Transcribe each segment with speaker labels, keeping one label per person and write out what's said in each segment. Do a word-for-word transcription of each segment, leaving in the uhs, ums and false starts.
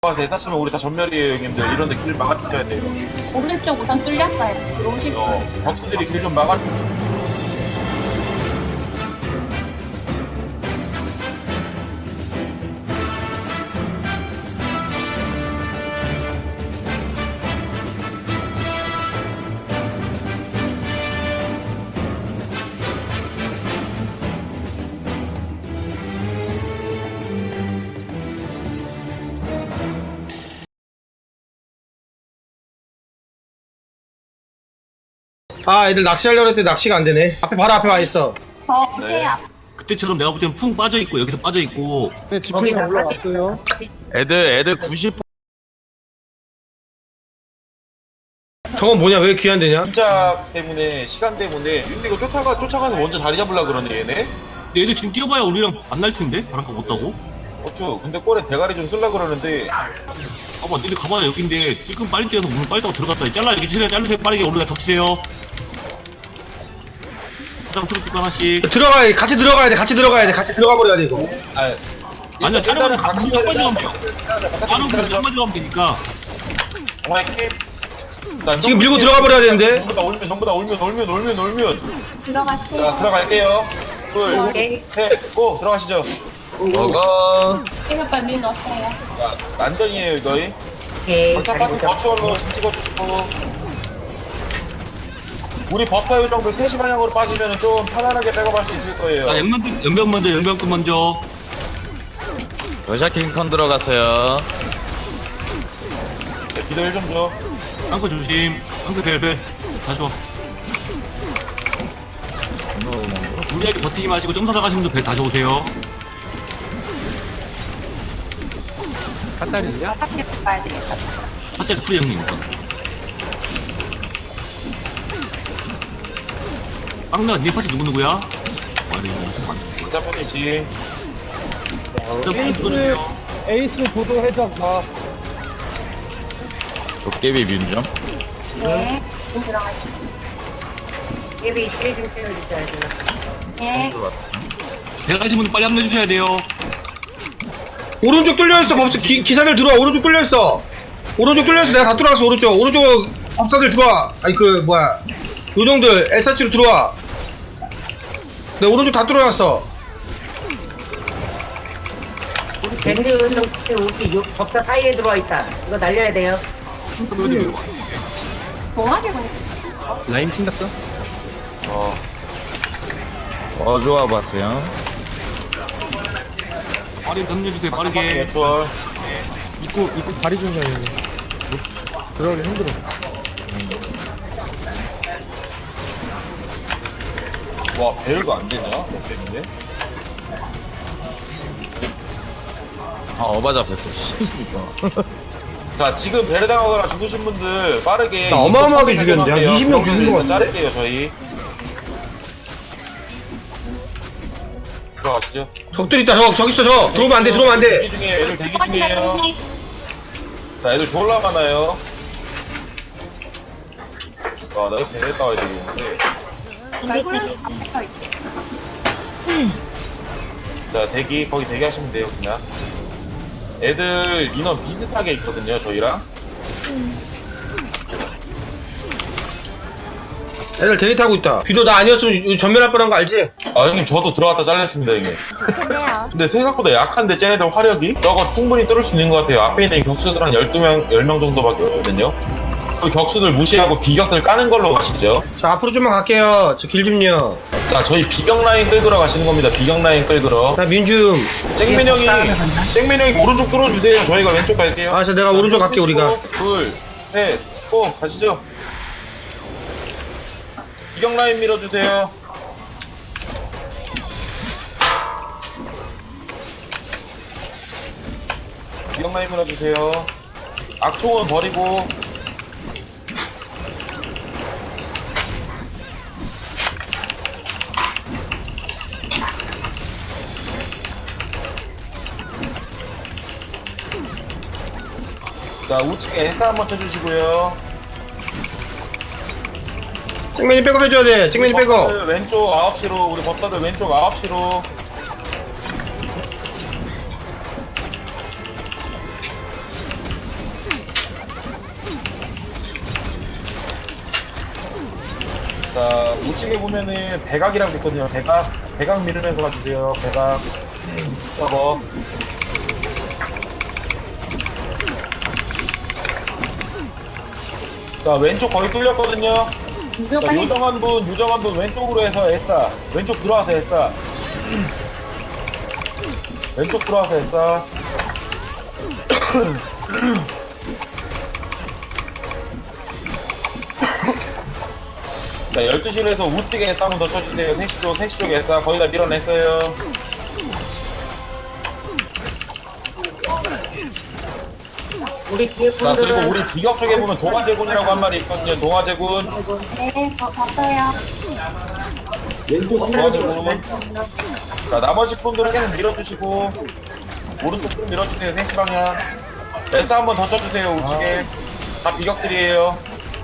Speaker 1: 와서 애사치면 우리 다 전멸이에요 형님들. 이런데 길 막아주셔야 돼요.
Speaker 2: 오른쪽 우선 뚫렸어요. 들어오실
Speaker 1: 어,
Speaker 2: 분.
Speaker 1: 격수들이 길 좀 막아.
Speaker 3: 아 애들 낚시하려고 했더니 낚시가 안되네. 앞에 바로 앞에 와있어.
Speaker 2: 저 오세요.
Speaker 4: 그때처럼 내가 볼 때는 풍 빠져있고 여기서 빠져있고
Speaker 5: 네, 지팡이 올라왔어요.
Speaker 6: 애들 애들 구십
Speaker 3: 저건 뭐냐 왜 귀한데냐.
Speaker 1: 진짜 때문에 시간 때문에 근데 이거 쫓아가 쫓아가서 먼저 자리 잡으려 그러네 얘네.
Speaker 4: 근데 애들 지금 뛰어봐야 우리랑 만날 텐데 바람가 못 타고.
Speaker 1: 어쭈 근데 꼴에 대가리 좀 쓸라 그러는데.
Speaker 4: 봐봐 니들 가봐야 여긴데 지금 빨리 뛰어서 문을 빨리 타고 들어갔다. 잘라 이렇게 최대한 자르세요. 빠르게 오르다 덮치세요. 가장 트로트 하나씩.
Speaker 3: 들어가야 같이 들어가야 돼. 같이 들어가야 돼. 같이 들어가 버려야 돼 이거.
Speaker 1: 아
Speaker 4: 아니야 자르면 딱
Speaker 1: 각기
Speaker 4: 맞가면 돼요. 자르면 딱
Speaker 1: 면
Speaker 4: 맞가면 되니까.
Speaker 1: 정말 킴.
Speaker 3: 지금 밀고 들어가 버려야 되는데.
Speaker 1: 전부 다 올면 전부 다 올면 올면 올면 올면.
Speaker 2: 들어가세요.
Speaker 1: 자 들어갈게요. 둘, 셋, 고 들어가시죠.
Speaker 6: 먹어.
Speaker 2: 생각발 밀 넣었어요.
Speaker 1: 자, 난전이에요 이거이.
Speaker 7: 오케이.
Speaker 1: 버터 파트 버추얼로 찍어주고. 우리 버터 요정도 세 시 방향으로 빠지면 좀 편안하게 백업할 수 있을 거예요.
Speaker 4: 자 연병 연병 먼저 연병급 먼저.
Speaker 6: 러시아킹 컨 들어갔어요.
Speaker 1: 네, 기도 일 좀 줘.
Speaker 4: 앙크 조심. 앙크 벨벨. 다시 와. 우리에게 버티지 마시고 점사 나가시는 분들 배 다시 오세요.
Speaker 2: 바깥에 가야 되겠다.
Speaker 4: 첫째 프리 형님이니까. 빵나 니 파티 누구 누구야? 와리 엄청 많네.
Speaker 1: 진짜 편이지.
Speaker 5: 에이스, 에이스 보도 해적 나.
Speaker 6: 도깨비 뮤점.
Speaker 2: 네. 좀 들어가시죠.
Speaker 7: 예비 힐 좀 채워주셔야죠.
Speaker 2: 네.
Speaker 4: 배 가신 분들 빨리 합류해 주셔야 돼요.
Speaker 3: 오른쪽 뚫려있어. 법사 기, 기사들 들어와. 오른쪽 뚫려있어. 오른쪽 뚫려있어. 내가 다 뚫어놨어. 오른쪽 오른쪽 법사들 들어와. 아니 그 뭐야 요정들 에스아치로 들어와. 내가 오른쪽 다 뚫어놨어.
Speaker 7: 우리 젠드 좀 우리 요 법사 사이에 들어와 있다. 이거 날려야 돼요.
Speaker 2: 동하게 보내.
Speaker 5: 라인 튕겼어?
Speaker 1: 어.
Speaker 6: 어 좋아 봤어요.
Speaker 4: 빠르게 합류해 주세요. 빠르게.
Speaker 1: 버추얼.
Speaker 5: 입구, 입구 다리 좀 가야 돼. 들어가기 힘들어.
Speaker 1: 와 배열도 안 되냐? 뭐 때문에?
Speaker 6: 아 어바 잡혔어.
Speaker 1: 자 지금 배를 당하거나 죽으신 분들 빠르게.
Speaker 3: 나 어마어마하게 죽였는데, 한 이십 명 죽인 것 같은데?
Speaker 1: 자를게요 저희. 들어가시죠.
Speaker 3: 적들 있다. 적 저기 있어. 저 들어오면 안돼. 들어오면 안돼.
Speaker 1: 대기 중이에요. 애들 대기
Speaker 2: 바깥에
Speaker 1: 중이에요.
Speaker 2: 가세요.
Speaker 1: 자 애들 졸라 많아요. 와 나 옆에 배에 따와야 되겠는데.
Speaker 2: 얼굴은 다 붙어 있어요.
Speaker 1: 자 대기 거기 대기하시면 돼요 그냥. 애들 인원 비슷하게 있거든요 저희랑.
Speaker 3: 애들 대기 타고 있다. 비도 나 아니었으면 전멸할 뻔한 거 알지?
Speaker 1: 아 형님 저도 들어갔다 잘렸습니다 형님.
Speaker 2: 좋네요.
Speaker 1: 근데 생각보다 약한데 쟤네들 화력이? 저거 충분히 뚫을 수 있는 것 같아요. 앞에 있는 격수들 한 열두 명, 열 명 정도밖에 없거든요. 그 격수들 무시하고 비격들 까는 걸로 가시죠.
Speaker 3: 자 앞으로 좀만 갈게요. 저 길 좀요.
Speaker 1: 자 저희 비격 라인 끌그러 가시는 겁니다. 비격 라인 끌그러.
Speaker 3: 자 민줌.
Speaker 1: 쨍맨 형이 쨍맨 형이 오른쪽 뚫어주세요. 저희가 왼쪽 갈게요.
Speaker 3: 아, 자 내가 오른쪽 갈게 우리가.
Speaker 1: 둘, 셋, 고 가시죠. 비격 라인 밀어주세요. 비격 라인 밀어주세요. 악총은 버리고. 자 우측에 S 한번 쳐주시고요.
Speaker 3: 찍맨이 백업 해줘야 돼. 찍맨이 백업.
Speaker 1: 법사들 왼쪽 아홉 시로 우리 법사들 왼쪽 아홉 시로. 자, 우측에 보면은 백악이라고 있거든요. 백악, 백악 밀으면서 가주세요. 백악. 서버. 자, 왼쪽 거의 뚫렸거든요. 자, 요정한 분, 요정한 분 왼쪽으로 해서 에싸. 왼쪽 들어와서 에싸. 왼쪽 들어와서 에싸. 자, 열두 시로 해서 우뜨게 에싸 한번 더 쳐주세요. 세 시 쪽, 세 시 쪽 에싸 거의 다 밀어냈어요.
Speaker 7: 우리 뒤에
Speaker 1: 자, 그리고
Speaker 7: 분들은
Speaker 1: 우리 비격 쪽에 보면 동화제군이라고 한 마리 있거든요. 동화제군.
Speaker 2: 네, 저 봤어요.
Speaker 1: 동화제군. 자, 나머지 분들은 계속 밀어주시고, 오른쪽 좀 밀어주세요. 세 시 방향. 에싸 한번 더 쳐주세요. 우측에. 다 비격들이에요.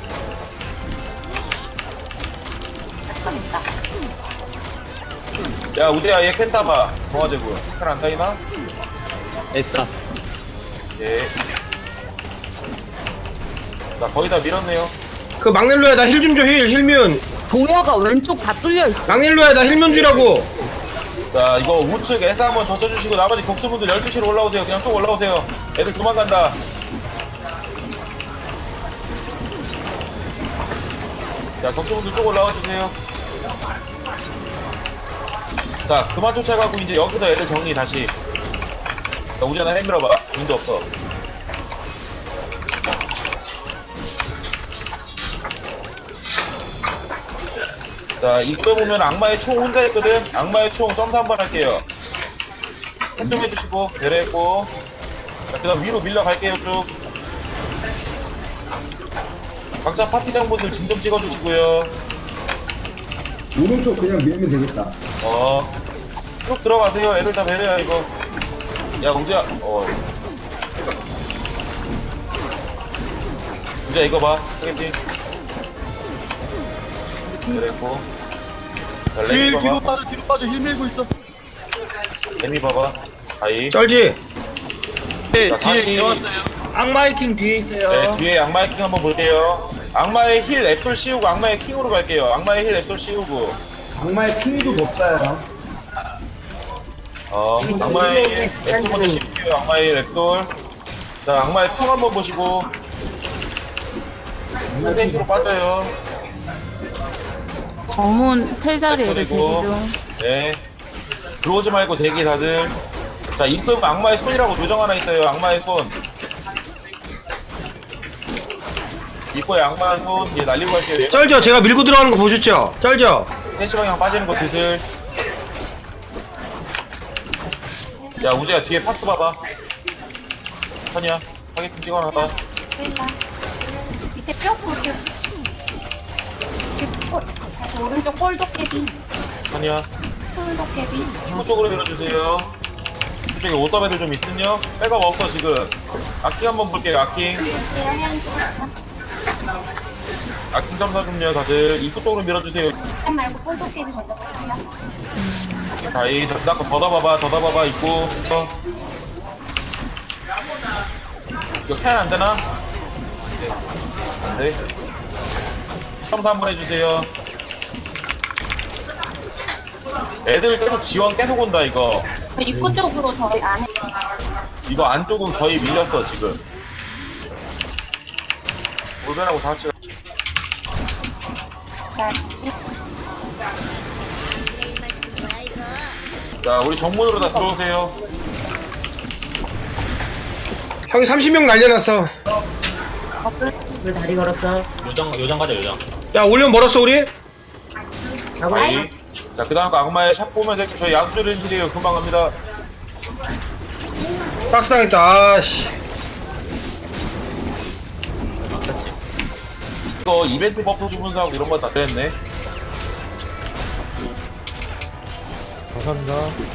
Speaker 2: 좀 있다.
Speaker 1: 야, 우재야, 얘 캔 타봐. 동화제군. 캔 안 타이나?
Speaker 5: 에싸.
Speaker 1: 예. 자, 거의 다 밀었네요.
Speaker 3: 그 막넬로야 나 힐 좀 줘 힐 힐면
Speaker 8: 동화가 왼쪽 다 뚫려 있어.
Speaker 3: 막넬로야 나 힐면 주라고.
Speaker 1: 자, 이거 우측 에싸 한번 더 쳐주시고, 나머지 격수분들 열두 시로 올라오세요. 그냥 쭉 올라오세요. 애들 도망간다. 자, 격수분들 쭉 올라와 주세요. 자, 그만 쫓아가고 이제 여기서 애들 정리 다시. 자, 우재나 해 밀어봐. 인도 없어. 자, 입구에 보면 악마의 총 혼자 있거든. 악마의 총 점수 한번 할게요. 행동해주시고 배려했고. 자, 그 다음 위로 밀려갈게요. 쭉 각자 파티장분들 진 좀 찍어주시고요.
Speaker 9: 오른쪽 그냥 밀면 되겠다.
Speaker 1: 어, 쭉 들어가세요. 애들 다 배려야 이거. 야, 우재야. 어, 우재야 이거 봐. 하겠지? 배려했고. 자, 레미 봐봐.
Speaker 6: 빠져 뒤로 빠져 힐 밀고 있어.
Speaker 1: 레미 봐봐. 아이.
Speaker 3: 쩔지.
Speaker 6: 네,
Speaker 1: 자,
Speaker 6: 뒤에
Speaker 1: 다시.
Speaker 6: 들어왔어요.
Speaker 7: 악마의 킹 뒤에 있어요.
Speaker 1: 네, 뒤에 악마의 킹 한번 볼게요. 악마의 힐 앱솔 씌우고 악마의 킹으로 갈게요. 악마의 힐 앱솔 씌우고.
Speaker 9: 악마의 핑도 높아요.
Speaker 1: 어, 악마의 힐 앱솔 먼저 씌울게요. 악마의 힐 앱솔. 자, 악마의 통 한번 보시고. 세시로 빠져요.
Speaker 8: 정문 텔 자리 애들 대기
Speaker 1: 그리고
Speaker 8: 중.
Speaker 1: 네. 들어오지 말고 대기 다들. 자, 입금 악마의 손이라고 요정 하나 있어요. 악마의 손. 입구에 악마의 손. 얘 날리고 갈게요.
Speaker 3: 쩔죠. 제가 밀고 들어가는 거 보셨죠? 쩔죠.
Speaker 1: 세 시 방향 빠지는 거 드슬. 야, 우재야 뒤에 파스 봐봐. 선이야 타겟팅 찍어놔봐.
Speaker 2: 일단 밑에 뼈 볼게요. 밑에 볼. 다시 오른쪽 꼴도깨비.
Speaker 1: 선이야
Speaker 2: 꼴도깨비.
Speaker 1: 입구 쪽으로 밀어주세요. 이쪽에 오섭 애들 좀 있으냐? 백업 없어 지금. 아킹 한번 볼게요. 아킹.
Speaker 2: 대양양 찍었다.
Speaker 1: 아킹 점사 좀요 다들. 입구 쪽으로 밀어주세요.
Speaker 2: 캔 말고 꼴도깨비 먼저 볼게요.
Speaker 1: 자이 잡다거 걷어봐봐. 걷어봐봐. 입구. 어. 이거 캔 안되나? 안돼. 점사 한번 해주세요. 애들 계속 지원 계속 온다 이거.
Speaker 2: 저 입구 쪽으로 저희 안에.
Speaker 1: 이거 안쪽은 거의 밀렸어 지금. 올변하고 다 같이.
Speaker 2: 자,
Speaker 1: 자, 우리 정문으로 다 들어오세요.
Speaker 3: 형이 삼십 명 날려놨어.
Speaker 7: 왜 다리 걸었어?
Speaker 4: 요정 요정 가자 요정.
Speaker 3: 야 올려 멀었어 우리?
Speaker 7: 하고
Speaker 1: 아이. 자, 그 다음 거 악마의 샵 보면서 저희 야수들 인실이에요. 금방 갑니다.
Speaker 3: 박스 당했다. 아씨.
Speaker 1: 이거 이벤트 버프 주문사하고 이런 거 다 됐네.
Speaker 5: 감사합니다.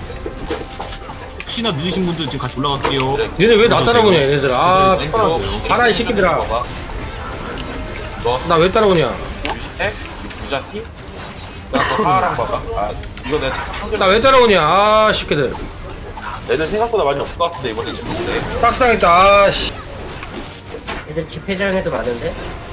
Speaker 4: 혹시나 늦으신 분들 지금 같이 올라갈게요.
Speaker 3: 얘네 왜 나 따라오냐 얘네들. 아
Speaker 1: 왼쪽.
Speaker 3: 가라 이 새끼들아.
Speaker 1: 봐봐. 너
Speaker 3: 나 왜 따라오냐.
Speaker 1: 핵? 부자티? 나그 하랑 봐봐. 아, 이거 내가 한글
Speaker 3: 나 왜 따라오냐. 아 새끼들.
Speaker 1: 애들 생각보다 많이 없을 것 같은데 이번에 지금.
Speaker 3: 박스 당했다. 아씨.
Speaker 7: 애들 집회장에도 많은데?